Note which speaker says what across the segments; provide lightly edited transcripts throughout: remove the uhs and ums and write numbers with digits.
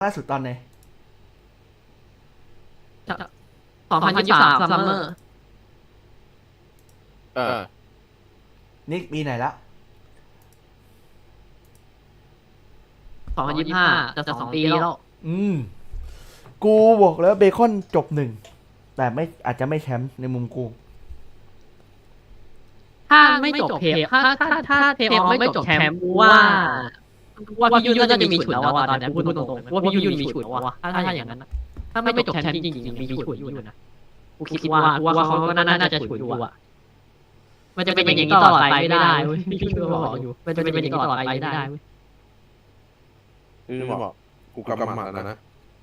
Speaker 1: ล่าสุดตอนไหน
Speaker 2: 2023ซัมเมอร์
Speaker 1: นี่ปีไหนละ
Speaker 2: 2025จะ2 ปีแล้ว
Speaker 1: กูบอกแล้วเบคอนจบ1แต่ไม่อาจจะไม่แชมป์ในมุมกู
Speaker 2: ถ้าไม่จบเทปถ้าเทปไม่จบแชมป์ว่าพี่ยุ่นน่าจะมีฉุนแล้วตอนนี้พูดตรงๆว่าพี่ยุ่นมีฉุนแล้วถ้าอย่างนั้นถ้าไม่จบแชมป์จริงๆมีฉุนอยู่นะกูคิดว่าเขาก็น่าจะฉุนอยู่มันจะเป็นอย่างนี้ตลอดไปไม่ได้พี่ยุ่นก็บอกอยู่มันจะเป็นอย่างนี้ตลอดไปไม่ได้
Speaker 3: นี่บอกกูกำหมัดแล้วนะ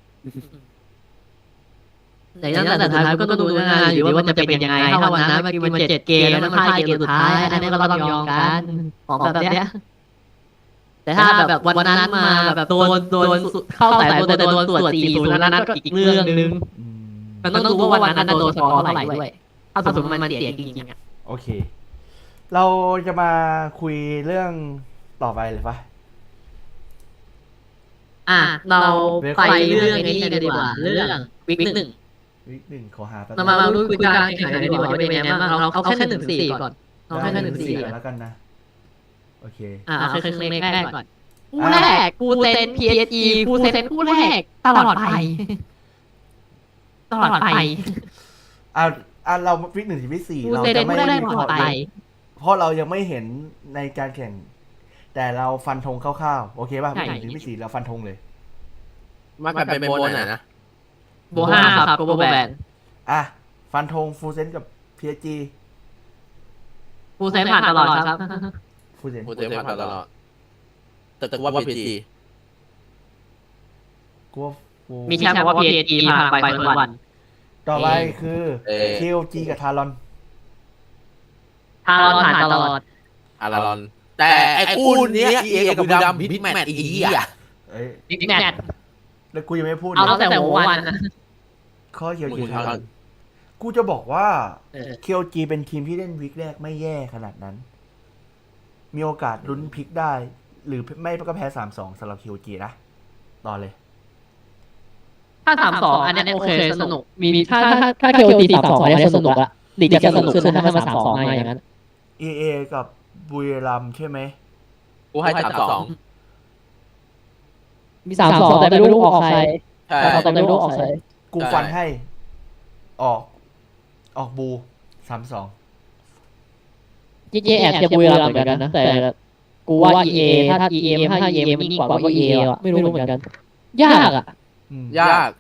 Speaker 2: แต่สุดท้ายก็ต้องดูนะหรือว่ามันจะเป็นยังไงถ้าวันนั้นมัน7 เกมแล้วมันพ่ายเกมสุดท้ายอันนี้ก็ต้องยอมกันของแบบเนี้ยแต่ถ้าแบบวันนั้นมาแบบโดนเข้าแต่โดนตรวจ40นั้นก็อีกเรื่องนึงมันต้องดูว่าวันนั้นโดนฟ้องเท่าไหร่ด้วยถ้าสมมติมันเสียจริงๆอ่ะ
Speaker 1: โอเคเราจะมาคุยเรื่องต่อไปเลยปะ
Speaker 2: เราไปเรื่องนี้กันดีกว่าเรื่องวิก1
Speaker 1: ขอหาแป๊บ
Speaker 2: เรามาดูคุยการแข่งขันกันดีกว่าเป็นยังไงบ้างเราแค่1-4ก่อนเราแค่1-4
Speaker 1: แล้วกันนะโอเค
Speaker 2: เอาแค่ครึ่งแรกก่อนคู่แรกกูเซน PSG กูเซนคู่แรกตลอดไป
Speaker 1: เราวิก1 ถึงวิก4เราจะไม่วิเคราะห์เพราะเรายังไม่เห็นในการแข่งแต่เราฟันธงคร่าวๆโอเคป่ะวิก1 ถึงวิก4เราฟันธงเลย
Speaker 3: มากันเป็นโบนไหนนะ
Speaker 2: โบ5ครับโกโบแบน
Speaker 1: ฟันธงฟูเซนกับ PSG
Speaker 2: ฟูเซนผ่านตลอดครับ
Speaker 1: ฟูเซน
Speaker 3: ผ่านตลอดแต่ว่า PSG
Speaker 1: กู
Speaker 2: มีแชมป์เพราะว่า PSG ผ่านไปทุกวัน
Speaker 1: ต่อไปคือ KOG กับทารอน
Speaker 2: ผ่านตลอด
Speaker 3: แต่ไอ้คู่นี้EA กับบุรีรัมย์บิ๊กแมตช์อีก
Speaker 2: บิ๊กแมตช์
Speaker 1: แล้วกูยังไม่พูด
Speaker 2: เอาตั้งแต่วัน
Speaker 1: ข้อKOG ทารอนกูจะบอกว่า KOG เป็นทีมที่เล่นวีคแรกไม่แย่ขนาดนั้นมีโอกาสลุ้นพลิกได้หรือไม่ก็แพ้ 3-2 สำหรับ KOG นะต่อเลย
Speaker 2: ถ้า3-2อันนี้โอเคสนุกมีถ้า KOG 3-2อันนี้สนุกละลีกจะสนุกขึ้นถ้ามัน3-2มาอย่างนั้น
Speaker 1: EA กับบุรีรัมย์ใช่ไหม
Speaker 3: กูให้3-2
Speaker 2: มี3-2แต่ไม่รู้ออกใครแต่ไม่รู้ออกใคร
Speaker 1: กูฟันให้ออกบู 3-2
Speaker 2: แอบจะบุรีรัมย์เหมือนกันนะแต่กูว่า EA ถ้า EA มันยิ่งกว่า EA อ่ะไม่รู้เหมือนกันยากอ่ะ
Speaker 3: ยาก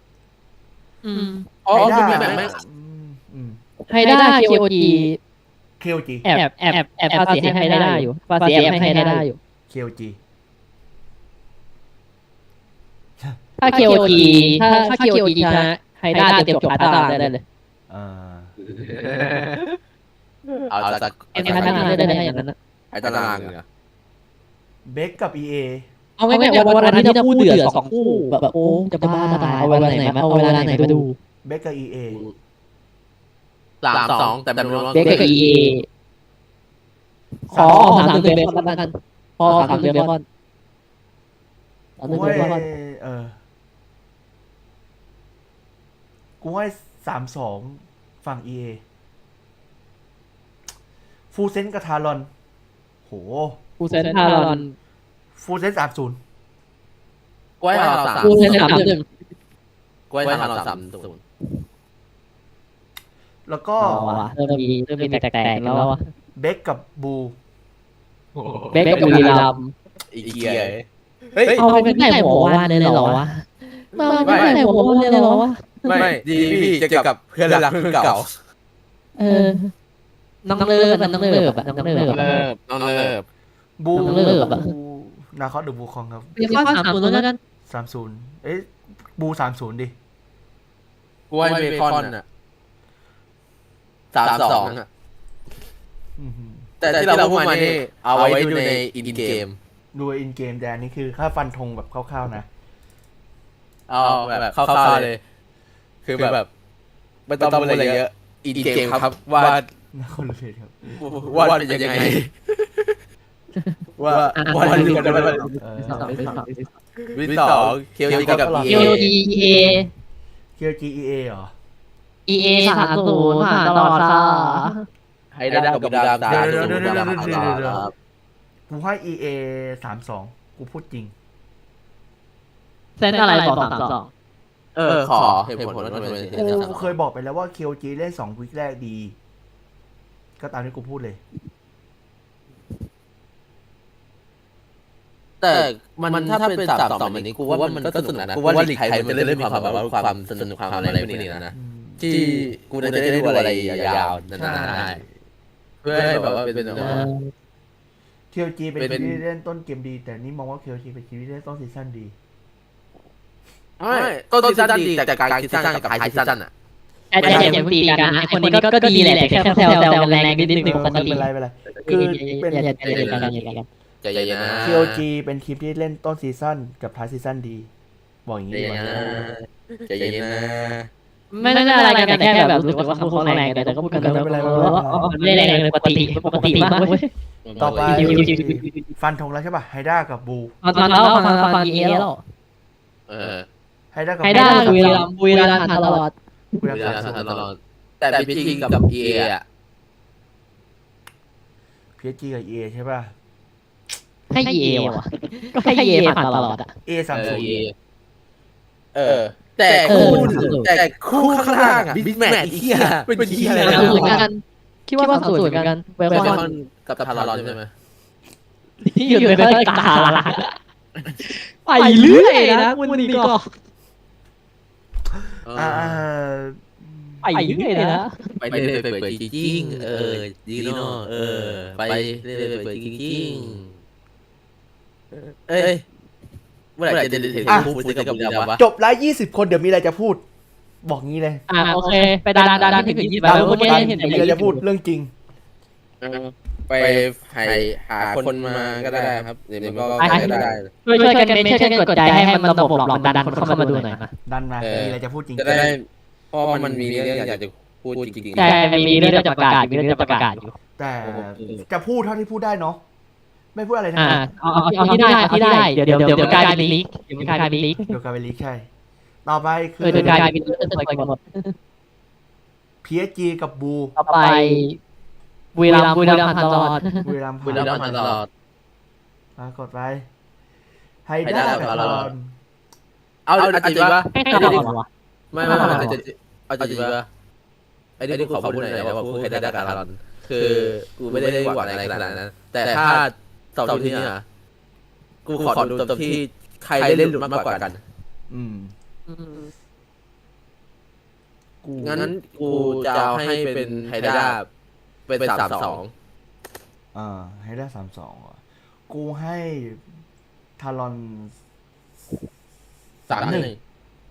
Speaker 2: ให้ได้ KOG แอบภาษีให้ได้อยู่ภาษีแอบให้ได้อยู่
Speaker 1: KOG
Speaker 2: ถ้า KOG ถ้า KOG ชนะให้ได้เตรียมจบตารางได้เลย
Speaker 3: เอาจาก
Speaker 2: พัฒนาได้อย่างนั้นนะ
Speaker 3: ตารางเหรอ
Speaker 1: เบคกับ EA
Speaker 2: เอาง่ายๆวันอาทิตย์จะคู่เดือด2 คู่แบบโอ้จะบ้าตายเอาเวลาไหนมาดู
Speaker 1: เบคกับ EA
Speaker 3: 3-2แต่แบบ
Speaker 2: เบคกับ EA ขอ3 เดือนเบคอนแล้วกันพอ3 เดือนเบคอน
Speaker 1: กูให้ 3-2 ฝั่ง EA ฟูเซนกับทารอนโห
Speaker 2: ฟูเซนทารอน
Speaker 1: ฟูเซน 3-0
Speaker 3: กูให้ทารอน3
Speaker 2: ฟูเซน 3-1
Speaker 3: กูให้ทารอน3-0
Speaker 1: แล้วก็
Speaker 2: เริ่มมีแตกแล้ว
Speaker 1: เบคกับบู
Speaker 2: เบคกับบุรีรัมย์
Speaker 3: อีกเกียร์
Speaker 2: เอาเป็นไม่หัวว่านเลยเหรอวะไม่หัวว่านเลยเหรอวะ
Speaker 3: ไม่ดีพี่จะกับเพื่อนรักเก่า
Speaker 2: น้องเลิฟน้องเลิฟ
Speaker 1: บูนาคอสหรือบูคองครับ
Speaker 2: เบคอน3-0แล้วกัน
Speaker 1: 3-0บู 3-0 ดิ
Speaker 3: กูให้เบคอนอ่ะ3-2อ่ะแต่ที่เราพูดมานี่เอาไว้ดูในอินเกม
Speaker 1: แต่อันนี้คือค่าฟันธงแบบคร่าวๆนะ
Speaker 3: เอาแบบคร่าวๆเลยคือแบบไม่ต้องอะไรเยอะอินเกมครับว่า
Speaker 1: คนละเพจครับ
Speaker 3: ว่าเป็นยังไงว่าดูกันได้ไหมวิกสองเคียวจีกับ
Speaker 2: เอ
Speaker 3: EA
Speaker 2: ลดีเอ
Speaker 1: KOGEA เหรอ
Speaker 2: เอ30ผ่านตลอดค่ะ
Speaker 3: ให้ได้กับบุรีรัมย์ครับ
Speaker 1: กูให้ EA 32กูพูดจริง
Speaker 2: เซนอะไรบอก32
Speaker 3: ขอเหตุผลว่าทำไมถึง
Speaker 1: กูเคยบอกไปแล้วว่า KOG เล่น2 วีคแรกดี ก็ตามที่กูพูดเลย
Speaker 3: แต่มันถ้าเป็น3-2แบบนี้กูว่ามันก็สนุกนะกูว่าลีกไทยมันจะเริ่มมีความแบบว่าความสนุกความอะไรพวกนี้นะที่กูจะได้ดูอะไรยาวๆนานๆได้เพื่อให้แบบว่าเป็น
Speaker 1: KOG เป็นทีมที่เล่นต้นเกมดี แต่นี่มองว่า KOG เป็นทีมที่เล่นต้นซีซั่นดี
Speaker 3: ต้นซีซั่นดีแต่กลางซีซั่นกับท้ายซีซั่นอ่ะ
Speaker 2: แต่อย่าเพิ่งตีกันนะไอคนนี้ก็ดีแหละแต่แค่แซวกันแรงนิดนึงปก
Speaker 1: ไม่
Speaker 2: ติ
Speaker 1: เป็นไรไม่เป็นไรคือเป็น
Speaker 2: อย่ากัน
Speaker 3: ใจเย็นนะ
Speaker 1: KOG เป็นทีมที่เล่นต้นซีซั่นกับท้ายซีซั่นดี บอกอย่างนี้ดีกว่า
Speaker 3: ใจเย็นนะ
Speaker 2: ไม่ได้อะไรกันแต่แค่แบบรู้สึกว่าเขาแรงแต่ก็พูดกันแล้วไม่แรงเลยปกติมากเว้ย
Speaker 1: ต่อไปฟันธงแล้วใช่ป่ะไฮด้ากับบู
Speaker 2: ฟันแล้วฟันเอแล้ว
Speaker 1: ไฮด้ากับ
Speaker 2: ใครได้บุรีรัมย์ตลอด
Speaker 1: บุรีรัมย์
Speaker 3: ตลอดแต่พีจีกับ EA อ่ะ
Speaker 1: PSG กับ EA ใช่ป่ะ
Speaker 2: ให้เอว่ะก็ให้เอผ่านตลอดอ่ะ
Speaker 1: A 30
Speaker 3: แต่คู่ข้างล่างอ่ะบิ๊กแมทอีกเหี้ยเป็นเหี้ยอะไร
Speaker 2: สูตรกันคิดว่าสูตรกันเวล
Speaker 3: เบ
Speaker 2: ค
Speaker 3: ค
Speaker 2: อ
Speaker 3: อน นกับทารอนใช่ไหม
Speaker 2: ที่อยู่ในตาละไปเรื่อยนะวันนี้ก็ ไปเรื่อยเลยนะ
Speaker 3: ไปเรื่อยไปจริงดีเนาะไปเรื่อยไปจริงเอ้ยเมื่อไหร่จะเห็นคู่ฟูกับบุรีรัมย์วะ
Speaker 1: จบไลฟ์20 คนเดี๋ยวมีอะไรจะพูด บอกงี้เลย
Speaker 2: โอเคไปดันถึง20แล้วเมื่อกี้เห็น
Speaker 1: มีอะไรจะพูดเรื่องจริง
Speaker 3: ไปหาคนมาก็ได้ครับเดี๋ยวก็ได้
Speaker 2: ช่วยกันเมนช่วยกันกดใจให้มันระบบหลอกดันคนเข้ามาดูหน่อยนะ
Speaker 1: ดันมามีอะไรจะพูดจริง
Speaker 3: จะได้เพราะมันมีเรื่องอยากจะพูดจริง
Speaker 2: แต่มีเรื่องจะประกาศอยู่
Speaker 1: แต่จะพูดเท่าที่พูดได้เนาะไม่พูดอะไรทั้งนั้น
Speaker 2: เอาที่ได้เดี๋ยวกลายเป็นลีกเดี๋ยวกลายเป็นลีก
Speaker 1: เดี๋ยวกลายเป็นลีกใช่ ต่อไปคือ
Speaker 2: เดี๋ยวกลายเป็นลีกจะไปหมด
Speaker 1: PSG กับบู
Speaker 2: ต่อไปบุรีรัมย์ตลอด
Speaker 1: บุรีรัมย์
Speaker 3: ๆบุรีรัมย์ตลอด
Speaker 1: กดไปไฮด้ากับทารอน
Speaker 3: เอาจริงปะ
Speaker 2: ให้ตลอดวะ
Speaker 3: ไม่เอาจริงปะไอ้นี่ขอพูดหน่อยว่าพูดให้ได้กับทารอนคือกูไม่ได้หวังอะไรขนาดนั้นแต่ถ้าตอบที่นี่นะกูขอดูตอบที่ใครเล่นหลุดมากกว่ากัน งั้นกูจะเอาให้เป็นไฮด้าเป็น3-2
Speaker 1: ไฮด้า32อ่ะกูให้ทารอน
Speaker 3: 3-1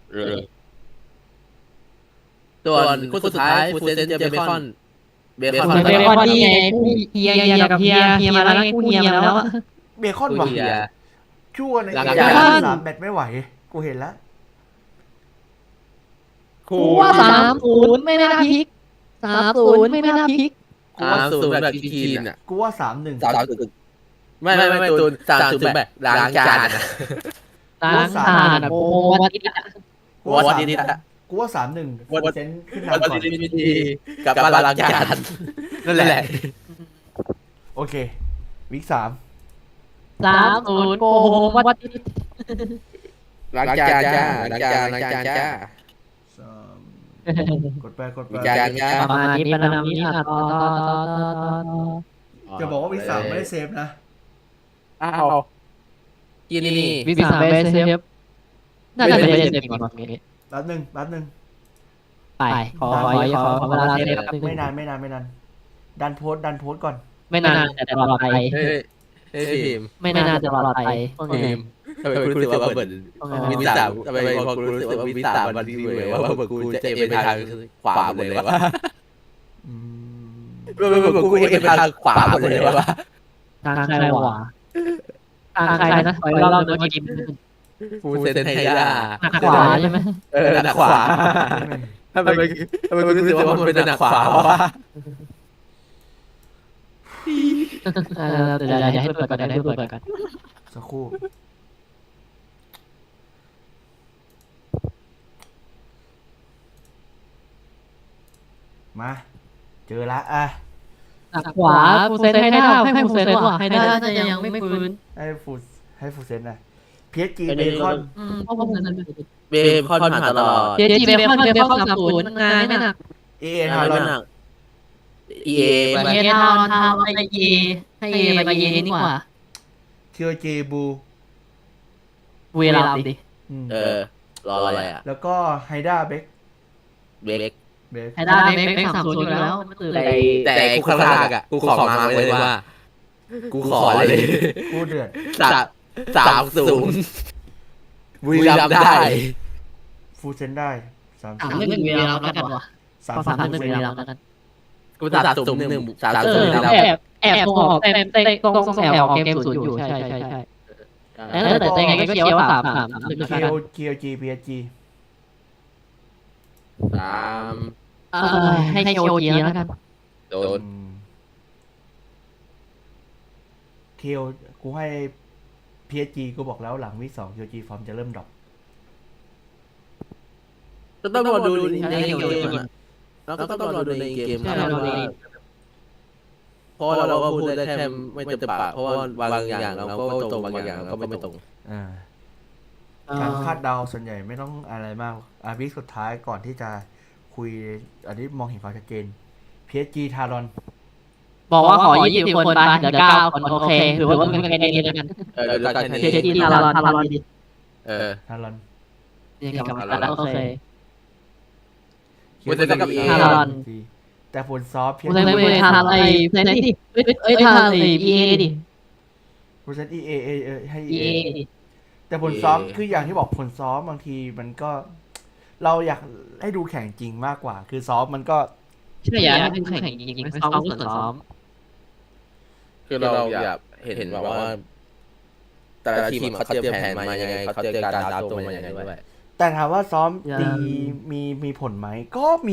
Speaker 3: ส่วนคู่สุดท้ายฟูเซนเจอเบคอน
Speaker 2: นี่ไงเฮียกับเฮียมาแล้วกูเฮียแล้วอะ
Speaker 1: เบคอนว่ะชั่วใน3 แมตช์ไม่ไหว กูเห็นแล้ว
Speaker 2: กูว่า30ไม่น่าพลิก30ไม่น่าพลิก
Speaker 3: 3-0แบบทีนอ่ะ
Speaker 1: กูว่า 3-1
Speaker 3: 3-0ไม่ตูน3-0แบบล้างจาน
Speaker 2: ล้างจานโอ้วัดนิดอะ
Speaker 1: กูว่า 3-1
Speaker 3: วัด
Speaker 1: เซนขึ้น
Speaker 3: วัน
Speaker 1: นำก่อน
Speaker 3: ดีกับมาล้างจานนั่นแหละ
Speaker 1: โอเควิก
Speaker 2: 30โกวัดนิด
Speaker 3: ล้างจานจ้า
Speaker 1: กดไป
Speaker 3: จานจ้า
Speaker 2: ประมาณนี้เป็นนามิต่อ
Speaker 1: จะบอกว่าวิก3ไม่ได้เซฟนะ
Speaker 3: อ้าวกินนี่
Speaker 2: วิสาเบสเซฟน่าจะเป็นเซฟก่อนนี้
Speaker 1: แป๊บนึง
Speaker 2: ไปขอเวลาเซฟ
Speaker 1: ไม่นานดันโพสต์ก่อน
Speaker 2: ไม่นานแต่ปลอดภัย
Speaker 3: เฮ้ยพิม
Speaker 2: ไม่นานแต่ปลอดภัย
Speaker 3: ทำไมคุณรู้สึกว่าเหมือนวิสามทำไมพอคุณรู้สึกว่าวิสามมันดีเลยว่าเหมือนกูจะเอ็นไปทางขวาหมดเลยวะกูเอ็นไปทางขวาหมดเลยวะ
Speaker 2: ทางใครวะทางใครนะปล่อยรอบๆกิน
Speaker 3: ฟูเซนไฮด้า
Speaker 2: หนักขวาใช่ไหม
Speaker 3: หนักขวาทำไมคุณรู้สึกว่ามันเป็นหนักขวาวะ
Speaker 2: เดี๋ยวให้เปิดก่อน
Speaker 1: สักครู่มาเจอละอ่ะ
Speaker 2: ขวาฟูเซนให้ได้ให้ฟูเซนว่ะให้ได้น่าจะยังไม่ฟื้น
Speaker 1: ให้ฟูเซนนะPSG เบคอน
Speaker 2: เพราะฟูเซน
Speaker 3: เบคอนผ่านตลอด
Speaker 2: เจจีเบคอน30งานไม่หนัก
Speaker 1: EA
Speaker 3: ไม่
Speaker 1: ทารอน
Speaker 3: หนัก EA ไป
Speaker 2: เอทารอนไปเยให้เอไปเยนี่กว่า
Speaker 1: KOG บู
Speaker 2: เวลาดิ
Speaker 3: รออะไรอ่ะ
Speaker 1: แล้วก็ไฮด้าเบค
Speaker 3: เบค
Speaker 2: ให้ได้เบค30อยู่แล้วไม่ตื่นเลย
Speaker 3: แต่กูข้างล่างอ่ะกูขอมาเลยว่ากูขอเลย
Speaker 1: กูเดือด
Speaker 3: 30บุรีรัมย์ได้
Speaker 1: ฟูเซนได้30
Speaker 2: 31เวลาแล้วกันว่ะ31เวลาแล้วกัน
Speaker 3: กู30 บุรีรัมย์
Speaker 2: แอบตรงออกเต็มตรงแอบออกเกม0อยู่ใช่แล้วแต่ยังไงก็เชียร์ว่า3
Speaker 1: KOG PSG
Speaker 2: ให้โยเยีแล้วกัน
Speaker 3: โดน
Speaker 1: KO กูให้ PSG กูบอกแล้วหลังวิก2 KOG ฟอร์มจะเริ่มดรอป
Speaker 3: ก็ต้องรอดูในเกมอ่ะแล้วก็ต้องรอดูในเกมเพราะเราก็พูดได้แค่ไม่เต็มปากเพราะว่าบางอย่างเราก็ตรงบางอย่างเราก็ไม่ตรง
Speaker 1: การคาดเดาส่วนใหญ่ไม่ต้องอะไรมากวิกสุดท้ายก่อนที่จะคุยอันนี้มองเห็นความชัดเจน PSG ทารอน
Speaker 2: บอกว่าขอ20 คนไปเดี๋ยว9 คนโอเคถือว่าเป็นคะแนนเดียวกัน
Speaker 3: แล้วกัน
Speaker 2: เจจีทารอน
Speaker 1: ทารอน
Speaker 2: เรียกกับแล้วโอเค ทารอน
Speaker 1: แต่ผลซอฟ
Speaker 2: กูเลยไปทำไอ้เซนดิทำไอ้ EA ดิ
Speaker 1: ผลเซน EA ให้
Speaker 2: EA
Speaker 1: แต่ผลซ้อมคืออย่างที่บอกผลซ้อมบางทีมันก็ เราอยากให้ดูแข่งจริงมากกว่า คือซ้อมมันก็
Speaker 2: ใช่อยากให้แข่งจริงๆซ้อมก็ซ้อม
Speaker 3: คือเราอยากเห็นแบบว่าแต่ละทีมเขาเตรียมแผนมายังไงเขาเตรียมการดาวตัวมายังไงด้วย
Speaker 1: แต่ถามว่าซ้อมดีมีผลไหมก็มี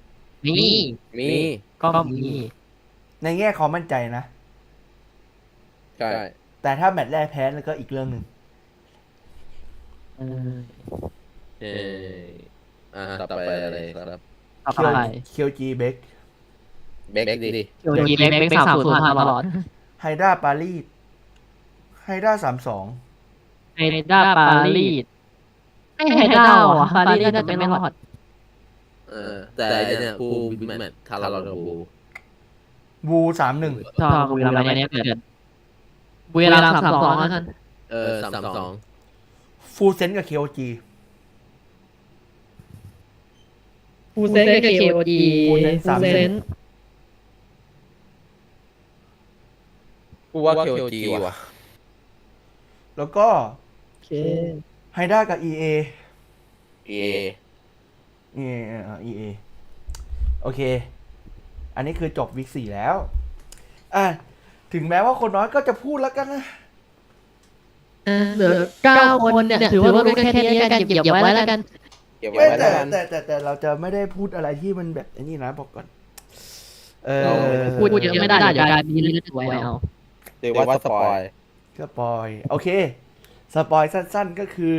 Speaker 2: ก็มี
Speaker 1: ในแง่ความมั่นใจนะ
Speaker 3: ใช่
Speaker 1: แต่ถ้าแมตช์แรกแพ้แล้วก็อีกเรื่องหนึ่ง
Speaker 3: ต่อไปอะไรครับ
Speaker 2: ต่อไป
Speaker 1: เคียวจีเบค
Speaker 3: เบคดิ
Speaker 2: โยยีเล็ก30มาตลอด
Speaker 1: ไฮด้าปารีสไฮด้า32
Speaker 2: ไฮด้าปารีสไฮด้าว่ะปารีสน่าจะไม่รอด
Speaker 3: แต่เนี่ยกูบิ๊กแมททารอนกับกู
Speaker 1: บู31
Speaker 2: ชอบบุรีรัมย์เนี่ยเกิดบุรีรัมย์32แล้วกัน
Speaker 3: 32
Speaker 1: ฟูเซนกับเคียวจี
Speaker 2: ฟูเซนกับเคโอดี
Speaker 1: ฟูเซน
Speaker 3: กูว่าเคโอจีว่ะ
Speaker 1: แล้วก็ไฮด้ากับ EA EA โอเค อันนี้คือจบวิก4แล้วถึงแม้ว่าคนน้อยก็จะพูดแล้วกันนะ
Speaker 2: เหลือ9 คนเนี่ยถือว่ารู้แค่นี้กันเก็บไว้แล้วกัน
Speaker 1: แต่เราจะไม่ได้พูดอะไรที่มันแบบนี้นะบอกก่อน
Speaker 2: พูดเยอะไม่ได้เดี๋ยวการมีเรื่องถูกไว้เอา
Speaker 3: เดี๋ยวว่าสปอย
Speaker 1: โอเคสปอยสั้นๆก็คือ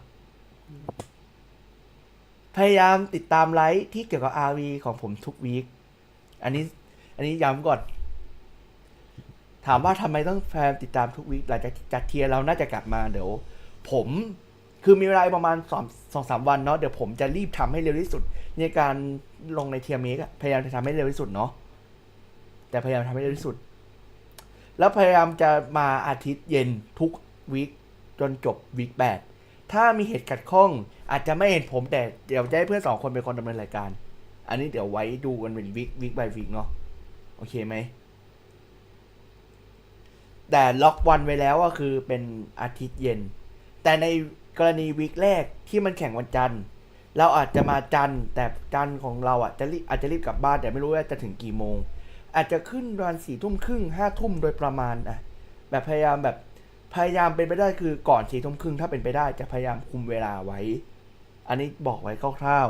Speaker 1: พยายามติดตามไลฟ์ที่เกี่ยวกับ RV ของผมทุกวีคอันนี้ย้ำก่อน ถามว่าทำไมต้องแฟนติดตามทุกวีคหลังจากจัดเทียร์เราน่าจะกลับมาเดี๋ยวผมคือมีเวลาประมาณ2-3 วันเนาะเดี๋ยวผมจะรีบทำให้เร็วที่สุดในการลงในเทียร์เมกพยายามจะทำให้เร็วที่สุดเนาะแต่พยายามทำให้เร็วที่สุดแล้วพยายามจะมาอาทิตย์เย็นทุกวีคจนจบวีค8ถ้ามีเหตุขัดข้องอาจจะไม่เห็นผมแต่เดี๋ยวจะให้เพื่อน2 คนเป็นคนดำเนินรายการอันนี้เดี๋ยวไว้ดูกันเป็นวีค by วีคเนาะโอเคไหมแต่ล็อกวันไว้แล้วก็คือเป็นอาทิตย์เย็นแต่ในกรณีวีคแรกที่มันแข่งวันจันทร์เราอาจจะมาจันทร์แต่จันทร์ของเราอาจจะรีบกลับบ้านแต่ไม่รู้ว่าจะถึงกี่โมงอาจจะขึ้นประมาณ4 ทุ่มครึ่ง5 ทุ่มโดยประมาณแบบพยายามเป็นไปได้คือก่อน4 ทุ่มครึ่งถ้าเป็นไปได้จะพยายามคุมเวลาไว้อันนี้บอกไว้คร่าว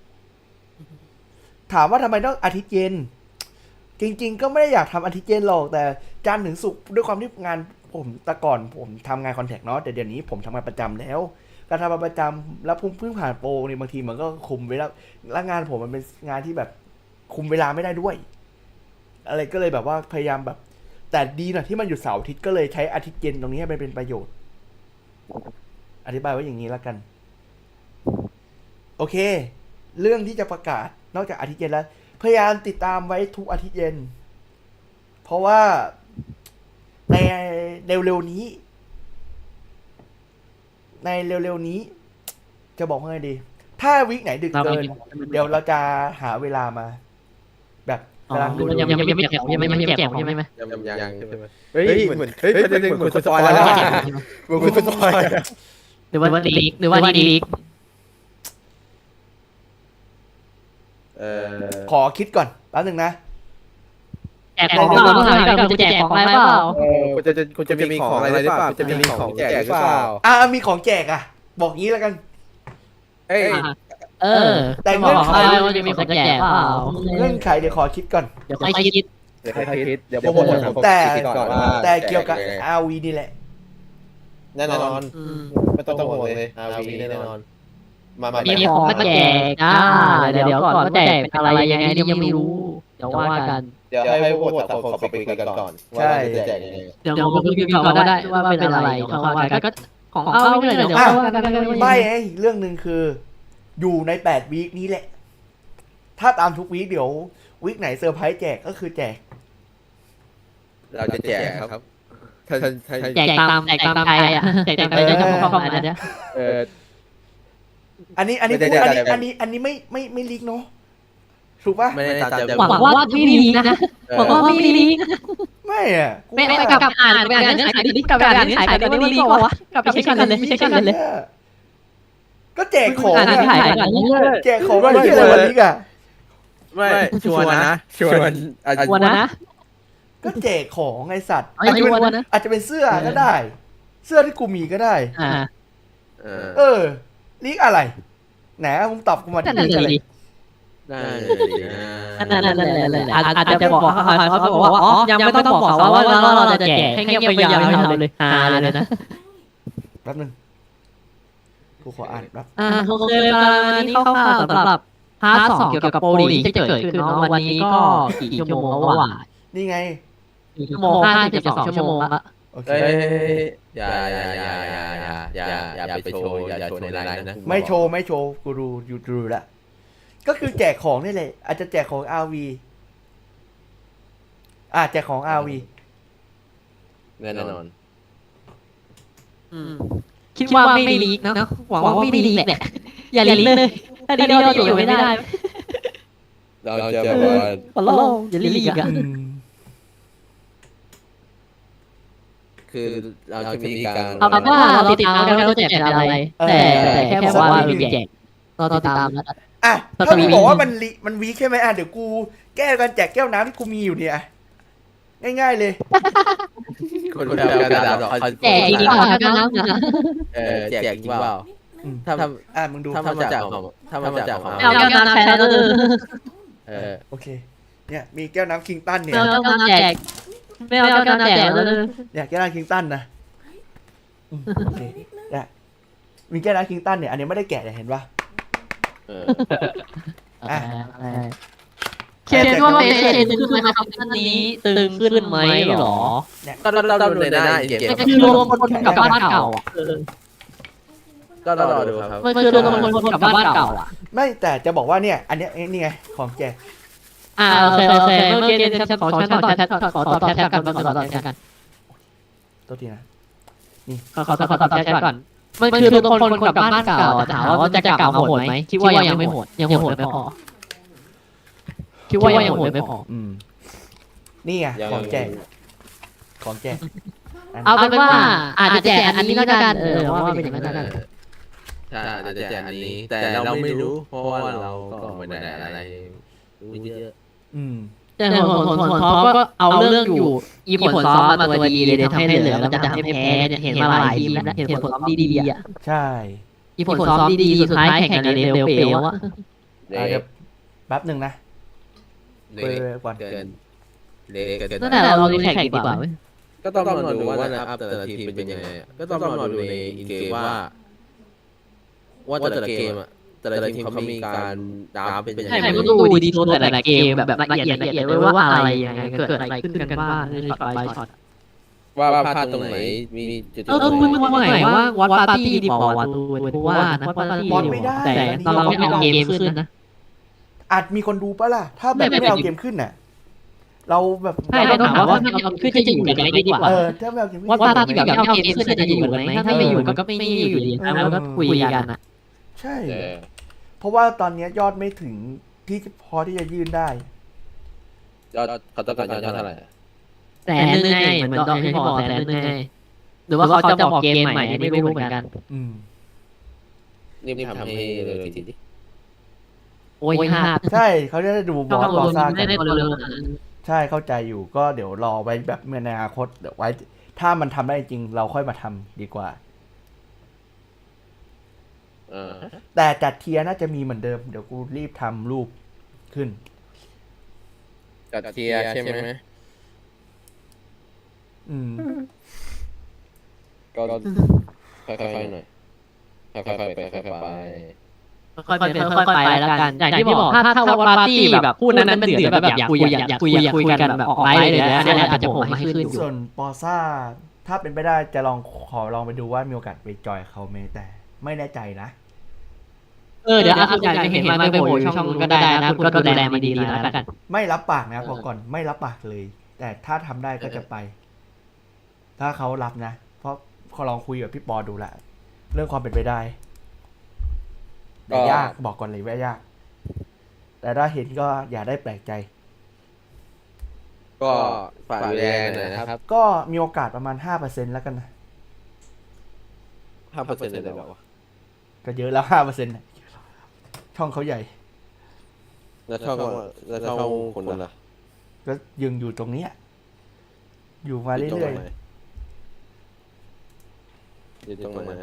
Speaker 1: ๆถามว่าทำไมต้องอาทิตย์เย็นจริงๆก็ไม่ได้อยากทำอาทิตย์เย็นหรอกแต่จันทร์ถึงศุกร์ด้วยความที่งานผมแต่ก่อนผมทำงานคอนแทคเนาะแต่เดี๋ยวนี้ผมทำงานประจำแล้วการทำงานประจำแล้วเพิ่งผ่านโปรนี่บางทีมันก็คุมไว้แล้วงานผมมันเป็นงานที่แบบคุมเวลาไม่ได้ด้วย อะไรก็เลยแบบว่าพยายามแบบ แต่ดีหน่อยที่มันอยู่เสาร์อาทิตย์ก็เลยใช้อาทิตย์เย็นตรงนี้ให้มันเป็นประโยชน์ อธิบายไว้อย่างนี้แล้วกัน โอเค เรื่องที่จะประกาศนอกจากอาทิตย์เย็นแล้ว พยายามติดตามไว้ทุกอาทิตย์เย็น เพราะว่าในเร็วๆนี้ ในเร็วๆนี้ จะบอกว่าไงดี ถ้าวีคไหนดึกเกิน เดี๋ยวเราจะหาเวลามา แบบกำลังดู
Speaker 2: ยังไม่แจกยังไม่แจกใช่ไหม
Speaker 3: ยังใช่ไหม
Speaker 4: เฮ้ยเหมือนคนสปอยแล้วอะเหมือนคนสปอยอะ
Speaker 2: หรือว่าลีกหรือว่าลีก
Speaker 1: ขอคิดก่อนแป๊บนึงนะ
Speaker 2: แจกของเปล่าเราจะแจกของอะไรเปล่า
Speaker 4: คุณจะมีของอะไรหรือเปล่าคุณจะมีของแจกหรือเปล่า
Speaker 1: มีของแจกอ่ะ บอกงี้แล้วกัน
Speaker 4: เอ้ย
Speaker 1: แต่เงื่อนไข
Speaker 2: ว่าจะมีของแจกเปล่า
Speaker 1: เงื่อนไขเดี๋ยวขอคิดก่อน
Speaker 2: เดี๋ยวค่อยคิด
Speaker 4: เดี๋ยวให้คิดเดี๋ยวผม
Speaker 1: แต่เกี่ยวกับ RV นี่แหละ
Speaker 4: แน่นอนไม่ต้องห่วงเลยRVแน่นอนมา
Speaker 2: มีของมาแจกเดี๋ยวก่อนว่าแจกเป็นอะไรยังไงยังไม่รู้เดี๋ยวว่ากัน
Speaker 4: เดี๋ยวให้พวกแต่ละคนเขาไปคุยกันก่อนว่าจะแจกยังไง
Speaker 2: เดี๋ยวผมคุยกันก่อนก็ได้ว่าเป็นอะไรเขาว่ากันก็ของเอาไม่เลยเดี๋ยวว่ากัน
Speaker 1: ไม่เรื่องหนึ่งคือ อยู่ใน8วีคนี้แหละ ถ้าตามทุกวีคเดี๋ยววีคไหนเซอร์ไพรส์แจกก็คือแจก
Speaker 4: เราจะแจกครับ
Speaker 2: แจกตามใครอ่ะแจกตามใครจะของอะไรเนี่ย
Speaker 1: อันนี้ไม่ลีกเนาะถูกป่ะ
Speaker 3: ไม่ได้ตามใจ
Speaker 2: หวังว่าไม่ลีกนะหวังว่าไม่ลีก
Speaker 1: ไม่อ่ะ
Speaker 2: ไม่กับอ่านเนื้อหาดิกับอ่านเนื้อหากันไม่ลีกวะกับไม่ใช่กันเลยไม่ใช่กันเลย
Speaker 1: ก็แจกของ
Speaker 2: อ่านเนื้อหากัน
Speaker 1: แจกของไม่ใช่อะไรลีกอ่ะ
Speaker 3: ไม่ชวนนะ
Speaker 2: วันนะ
Speaker 1: ก็แจกของไอสัตว์
Speaker 2: ไอ้วันนะ
Speaker 1: อาจจะเป็นเสื้อก็ได้ เสื้อที่กูมีก็ได้ ลีกอะไรไหนมึงตอบกูมาที่ลีกอะไร
Speaker 2: นั่นอาจจะบอกเขาบอกว่าอ๋อยังไม่ต้องบอกเขาว่าเราจะแจกให้เงียบไปยาวเลยเลยนะ
Speaker 1: แป๊บนึงกูขออ่านแป๊บ
Speaker 2: โอเคนี่คร่าวๆสำหรับพาร์ท 2เกี่ยวกับโปรลีกที่จะเกิดขึ้นเนาะวันนี้ก็กี่ชั่วโมงแล้วว่ะ
Speaker 1: นี่ไง
Speaker 2: ชั่วโมง52ชั่วโมงละ
Speaker 1: โอเค
Speaker 3: อย่าไปโชว์อย่าโชว์ในไลน์นะ
Speaker 1: ไม่โชว์กูดูละก็คือแจกของนี่แหละอาจจะแจกของ RV แจกของ RV
Speaker 3: แน่นอน
Speaker 2: คิดว่าไม่ลีกเนาะหวังว่าไม่ลีกแหละอย่าลีกเลยถ้าลีกเราอยู่ไม่ได้
Speaker 3: เราจะบอกว่า
Speaker 2: ขอร้องอย่าลีกอ่ะ
Speaker 3: คือเราจะมีการ
Speaker 2: เอาว่าเราติดตามกันว่าแจกอะไรแต่แค่บอกว่ามีแจกเราติดตามแล้ว
Speaker 1: ถ้ามึงบอกว่ามันวีคใช่ไหมเดี๋ยวกูแก้กันแจกแก้วน้ำที่กูมีอยู่เนี่ยง่ายๆเลย
Speaker 3: คนแบบกระดาษ
Speaker 2: แจกจริงเปล่ากันแล้วนะ
Speaker 3: แจกจริงเปล่าถ้า
Speaker 1: มึงดู
Speaker 3: ถ้ามาจากของ
Speaker 2: เอาแก้วน้ำแชร์แล้ว
Speaker 1: โอเคเนี่ยมีแก้วน้ำคิงตันเนี่ย
Speaker 2: ไม่เอาแก้วน้ำแจกไม่เอาแก้วน้ำแจกแล้ว
Speaker 1: เนี่ยแก้วน้ำคิงตันนะโอเคเนี่ยมีแก้วน้ำคิงตันเนี่ยอันนี้ไม่ได้แกะเห็นปะ
Speaker 2: เคนว่าเชนขึ้นไหมครับท่านนี้ตึงขึ้นไหมหรอ
Speaker 3: ก็เราดูในหน้าเกม
Speaker 2: มันคือรวมคนกับบ้านเก่าอ่ะ
Speaker 3: ก็รอดูครับ
Speaker 2: มันคือรวมคนกับบ้านเก่าอ่ะ
Speaker 1: ไม่แต่จะบอกว่าเนี่ยอันนี้นี่ไงของแจก
Speaker 2: โอเคเมื่อกี้ฉันขอฉันต่อแท็กขอต่อแท็กกันขอต่อแท็กกัน
Speaker 1: ตัวทีนะ
Speaker 2: ขอต่อแท็กก่อนมันคือรวมคนกับบ้านเก่าถามว่าจะเก่าโหดไหมคิดว่ายังไม่โหดยังโหดไม่พอคิดว่ายังโหดไม่พอ
Speaker 1: นี่ไงของแจก
Speaker 2: เอาเป็นว่าอาจจะแจกอันนี้แล้วกันว่าเป็นอย่างนั้นกัน
Speaker 3: ใช่อาจจะแจกอันนี้ แต่เราไม่รู้เพราะว่าเราก็ไม่ได้อะไรรู้เยอะ
Speaker 2: แต่ผลซ้อมก็เอาเรื่องอยู่อีผลซ้อมมาตัวดีเลยทำให้เหลือแล้วจะทำให้แพ้เห็นมาหลายทีแล้วเห็นผลซ้อมดีๆอ่ะ
Speaker 1: ใช่
Speaker 2: อีผลซ้อมดีๆสุดท้ายแข่งกันเร็วๆเป๋วอ่ะ
Speaker 1: เดี๋ยวแป๊บหนึ่งนะ
Speaker 3: เกินเล็กเกิน
Speaker 2: นั่นแหละเราแข่งดีกว่า
Speaker 3: ก็ต้องรอดูว่านะครับแต่ละทีมเป็นยังไงก็ต้องรอดูในอินเกมว่าแต่ละเกมอ่ะแต่ละทีมเขามีการดราฟเป็นยัง
Speaker 2: ใช่
Speaker 3: ไง
Speaker 2: มันก็ดูดีโทนแต่ละเกมแบบละเอียดเลยว่าอะไรยังไงเกิดอะไรขึ้นกันบ้างในช็อตไปช็อต
Speaker 3: ว่าพลาดตรงไหนมีจุด
Speaker 2: มึงว่าไงว่าวัดปาร์ตี้ดีพอวัดดูว่านะวัดปาร์ตี้แต่ตอนเราไม่เอาเกมขึ้นนะ
Speaker 1: อาจมีคนดูปะล่ะ ถ้าแบบไม่เอาเกมขึ้นน่ะ เราแบบ
Speaker 2: ใช่ต้องถามว่าถ้าเอาขึ้นจะอยู่กันไหมดีกว่า
Speaker 1: ถ้าไม่เอาเกมขึ้น
Speaker 2: วัดปาร์ตี้แบบไม่เอาเกมขึ้นจะอยู่กันไหมถ้าไม่อยู่ก็ไม่อยู่ดีแล้วก็คุยกันนะ
Speaker 1: ใช่ เพราะว่าตอนนี้ยอดไม่ถึงที่พอที่จะยื่นได้
Speaker 3: ยอดเขาต้องการยอดเท่าไหร่
Speaker 2: 100,000ไงเหมือนที่บอก100,000ไงหรือว่าเขาจะบอกเกมใหม่ไม่รู้เหมือนกัน
Speaker 3: นี่ทำให้เลยทีนี้
Speaker 2: โอ้ยห้า
Speaker 1: ใช่เขาจะได้ดูบอสบอสซ่ากั
Speaker 2: ไม่
Speaker 1: น
Speaker 2: ได้เร็ว
Speaker 1: ใช่เข้าใจอยู่ก็เดี๋ยวรอไว้แบบเมื่อในอนาคตเดี๋ยวไว้ ถ้ามันทำได้จริงเราค่อยมาทำดีกว่า แต่จัดเทียร์น่าจะมีเหมือนเดิม เดี๋ยวกูรีบทำรูปขึ้น
Speaker 4: จัดเทียร์ใช่ไหม ก็ค่อยๆหน่อยค่อยๆไปค่อยๆไป
Speaker 2: ค่อยไปแล้วกันอย่างที่บอกถ้าวัดปาร์ตี้แบบพูดนั้นเป็นเดือดแบบอยากคุยกันแบบออกไลน์เลยนะเนี่ยอาจจะผมให้ขึ้นอยู่
Speaker 1: ส่วนปอซ่าถ้าเป็นไปได้จะขอลองไปดูว่ามีโอกาสไปจอยเขาไหมแต่ไม่แน่ใจนะ
Speaker 2: เดี๋ยวคุณอยากจะเห็นมันไปโผล่ช่องก็ได้นะคุณก็ดูแลมันดีๆแล้วกัน
Speaker 1: ไม่รับปากนะพอก่อนไม่รับปากเลย แต่ถ้าทำได้ก็จะไป ถ้าเขารับนะ เพราะเขาลองคุยกับพี่ปอดูละเรื่องความเป็นไปได้แต่ยากบอกก่อนเลยว่ายาก แต่ถ้าเห็นก็อย่าได้แปลกใจ
Speaker 3: ก็ฝากดูแลหน่อยนะครับ
Speaker 1: ก็มีโอกาสประมาณ 5% แล้วกันนะ
Speaker 3: 5%เลยแบบว่า
Speaker 1: ก็เยอะแล้ว 5%ช่องเขาใหญ่
Speaker 3: แล้วช่องคนละ
Speaker 1: ก็ยังอยู่ตรงเนี้ยอยู่มาเรื่อย
Speaker 3: อยู่ตรงไหน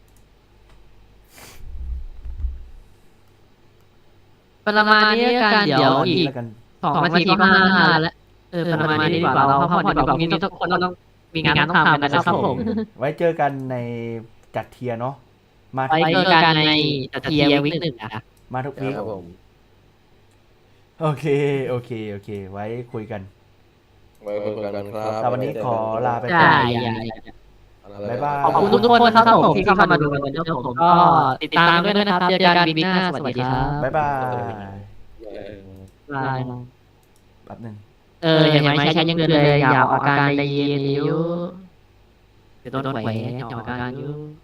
Speaker 2: ประมาณนี้กันเดี๋ยว
Speaker 1: ๆ
Speaker 2: อีก
Speaker 1: แล้วกัน
Speaker 2: 2 นาทีก็5 แล้วประมาณนี้ดีกว่าเราพักผ่อนดีกว่าพรุ่งนี้ทุกคนต้องมีงานต้องทำกันนะครับผม
Speaker 1: ไว้เจอกันในจัดเทียร์เนาะมา
Speaker 2: ไปเจอกันในเทียร์วิก1นะ
Speaker 1: มาทุกวีค
Speaker 3: ครับผม
Speaker 1: โอเค ไว้คุยกัน
Speaker 3: ไว้คุยกันครับ
Speaker 1: แต่วันนี้ขอลาไปก่
Speaker 2: ใช่
Speaker 1: อน บ๊ายบาย
Speaker 2: ขอบคุณทุกคนนะครับผมที่เข้ามาดูกันแล้วผมก็ติดตามด้วยนะครับเจอกันวิกหน้าสวัสดีครับ
Speaker 1: บ๊ายบาย
Speaker 2: บาย
Speaker 1: แป๊บหนึง
Speaker 2: เห็นไหมใช้ยังเลยอยากออกอาการใจเย็นอยู่เดี๋ยวโดนแขวนออกอาการอยู่